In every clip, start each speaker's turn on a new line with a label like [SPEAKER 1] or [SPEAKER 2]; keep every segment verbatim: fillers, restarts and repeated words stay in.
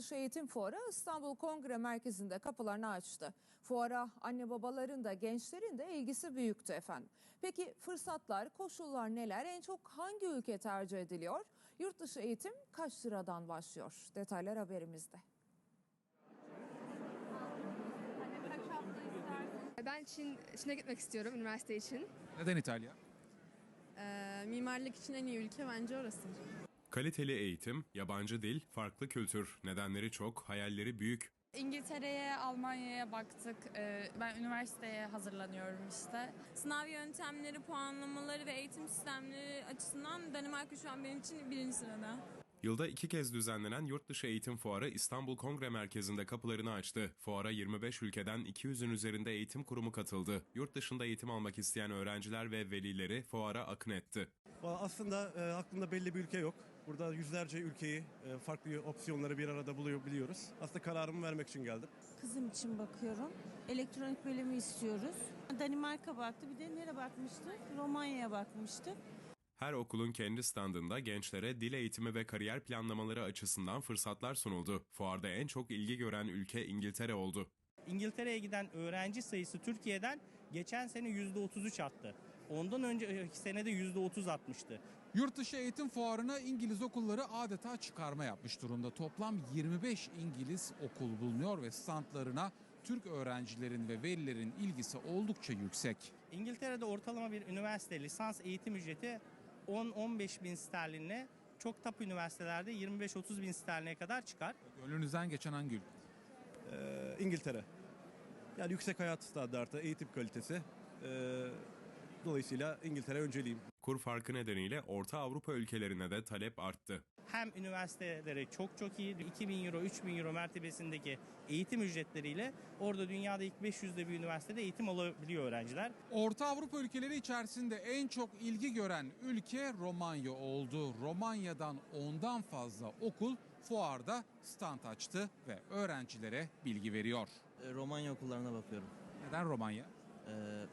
[SPEAKER 1] Yurtdışı Eğitim Fuarı İstanbul Kongre Merkezi'nde kapılarını açtı. Fuara anne babaların da gençlerin de ilgisi büyüktü efendim. Peki fırsatlar, koşullar neler? En çok hangi ülke tercih ediliyor? Yurtdışı eğitim kaç liradan başlıyor? Detaylar haberimizde.
[SPEAKER 2] Ben Çin, Çin'e gitmek istiyorum üniversite için.
[SPEAKER 3] Neden İtalya?
[SPEAKER 4] Ee, mimarlık için en iyi ülke bence orası.
[SPEAKER 5] Kaliteli eğitim, yabancı dil, farklı kültür. Nedenleri çok, hayalleri büyük.
[SPEAKER 6] İngiltere'ye, Almanya'ya baktık. Ee, Ben üniversiteye hazırlanıyorum işte.
[SPEAKER 4] Sınav yöntemleri, puanlamaları ve eğitim sistemleri açısından Danimarka şu an benim için birinci sırada.
[SPEAKER 5] Yılda iki kez düzenlenen Yurtdışı Eğitim Fuarı İstanbul Kongre Merkezi'nde kapılarını açtı. Fuara yirmi beş ülkeden iki yüzün üzerinde eğitim kurumu katıldı. Yurt dışında eğitim almak isteyen öğrenciler ve velileri fuara akın etti.
[SPEAKER 7] Aslında e, aklımda belli bir ülke yok. Burada yüzlerce ülkeyi, e, farklı opsiyonları bir arada bulabiliyoruz. Aslında kararımı vermek için geldim.
[SPEAKER 8] Kızım için bakıyorum. Elektronik bölümü istiyoruz. Danimarka baktı. Bir de nereye bakmıştık? Romanya'ya bakmıştık.
[SPEAKER 5] Her okulun kendi standında gençlere dil eğitimi ve kariyer planlamaları açısından fırsatlar sunuldu. Fuarda en çok ilgi gören ülke İngiltere oldu.
[SPEAKER 9] İngiltere'ye giden öğrenci sayısı Türkiye'den geçen sene yüzde otuz üç arttı. Ondan önceki senede yüzde otuz artmıştı.
[SPEAKER 3] Yurtdışı eğitim fuarına İngiliz okulları adeta çıkarma yapmış durumda. Toplam yirmi beş İngiliz okul bulunuyor ve standlarına Türk öğrencilerin ve velilerin ilgisi oldukça yüksek.
[SPEAKER 9] İngiltere'de ortalama bir üniversite lisans eğitim ücreti on on beş bin sterlinle, çok top üniversitelerde yirmi beş otuz bin sterline kadar çıkar.
[SPEAKER 3] Gönlünüzden geçen hangi ülke?
[SPEAKER 7] Ee, İngiltere. Yani yüksek hayat standartı, eğitim kalitesi. Ee, dolayısıyla İngiltere önceliğim.
[SPEAKER 5] Kur farkı nedeniyle Orta Avrupa ülkelerine de talep arttı.
[SPEAKER 9] Hem üniversiteleri çok çok iyi, iki bin euro, üç bin euro mertebesindeki eğitim ücretleriyle orada dünyada ilk beş yüzde bir üniversitede eğitim alabiliyor öğrenciler.
[SPEAKER 3] Orta Avrupa ülkeleri içerisinde en çok ilgi gören ülke Romanya oldu. Romanya'dan ondan fazla okul fuarda stand açtı ve öğrencilere bilgi veriyor.
[SPEAKER 10] Romanya okullarına bakıyorum.
[SPEAKER 3] Neden Romanya?
[SPEAKER 10] Ee,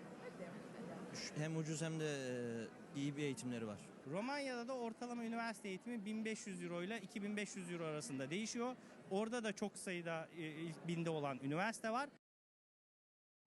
[SPEAKER 10] hem ucuz hem de iyi bir eğitimleri var.
[SPEAKER 9] Romanya'da da ortalama üniversite eğitimi bin beş yüz euro ile iki bin beş yüz euro arasında değişiyor. Orada da çok sayıda ilk binde olan üniversite var.